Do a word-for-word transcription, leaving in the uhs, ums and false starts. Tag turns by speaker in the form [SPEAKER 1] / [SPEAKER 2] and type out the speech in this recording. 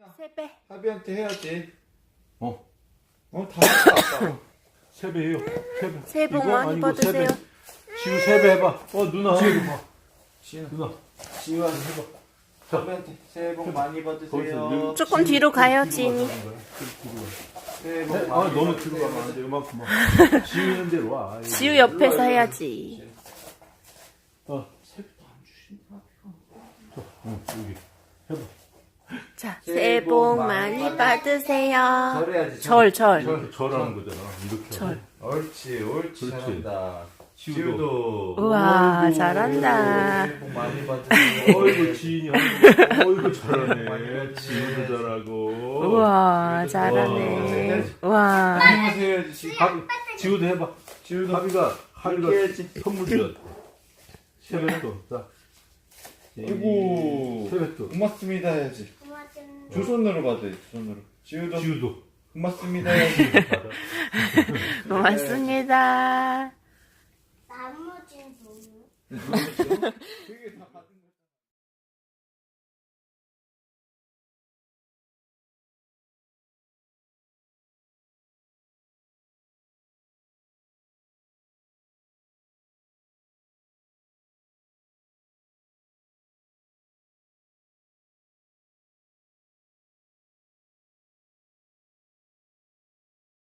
[SPEAKER 1] 세배.
[SPEAKER 2] 하비한테 해야지.
[SPEAKER 3] 어.
[SPEAKER 2] 어, 다 했어, 아빠.
[SPEAKER 3] 세배예요. 세배.
[SPEAKER 1] 새해 복
[SPEAKER 3] 이거
[SPEAKER 1] 많이
[SPEAKER 3] 아니고
[SPEAKER 1] 받으세요.
[SPEAKER 3] 세배. 지우 세배 해봐. 어 누나. 지우 봐.
[SPEAKER 2] 지우,
[SPEAKER 3] 누나.
[SPEAKER 2] 지우한테 해봐. 하비한테 새해 복 많이 받으세요.
[SPEAKER 1] 조금 뒤로 가요, 지인이.
[SPEAKER 2] 새해 복
[SPEAKER 3] 네?
[SPEAKER 2] 많이
[SPEAKER 3] 아 너무
[SPEAKER 2] 받으세요.
[SPEAKER 3] 뒤로 가면 안 돼. 이만큼만. 지우 있는 대로 와. 아이고.
[SPEAKER 1] 지우 옆에서 해야지.
[SPEAKER 3] 어.
[SPEAKER 2] 새해부터 안 주신다.
[SPEAKER 3] 응 여기. 해봐.
[SPEAKER 1] 자, 새해 복 많이 받으세요.
[SPEAKER 2] 절해야지.
[SPEAKER 1] 절, 절.
[SPEAKER 3] 이렇게 절하는 거잖아. 이렇게.
[SPEAKER 1] 절.
[SPEAKER 2] 옳지, 옳지.
[SPEAKER 3] 그렇지.
[SPEAKER 2] 잘한다.
[SPEAKER 3] 지우도.
[SPEAKER 2] 지우도.
[SPEAKER 1] 우와,
[SPEAKER 3] 어이구.
[SPEAKER 1] 잘한다.
[SPEAKER 2] 새해 복 많이 받으세요.
[SPEAKER 3] 어이구 지인이 어이구 잘하네. 지우도 잘하고.
[SPEAKER 1] 우와, 잘하네. 우와.
[SPEAKER 2] 안녕하세요, 해야지. 지우.
[SPEAKER 3] 하비, 지우도 해봐.
[SPEAKER 2] 지우도.
[SPEAKER 3] 하비가 하비가
[SPEAKER 2] 해야지.
[SPEAKER 3] 선물 줬. 세뱃돈. 자.
[SPEAKER 2] 아이고.
[SPEAKER 3] 세뱃돈.
[SPEAKER 2] 고맙습니다 해야지. 두 손으로 받아, 두 손으로. 지우도.
[SPEAKER 3] 지우도.
[SPEAKER 2] 고맙습니다 해야지.
[SPEAKER 3] 받아.
[SPEAKER 1] 고맙습니다.
[SPEAKER 4] 나머지는 뭐예요?
[SPEAKER 2] 되게 다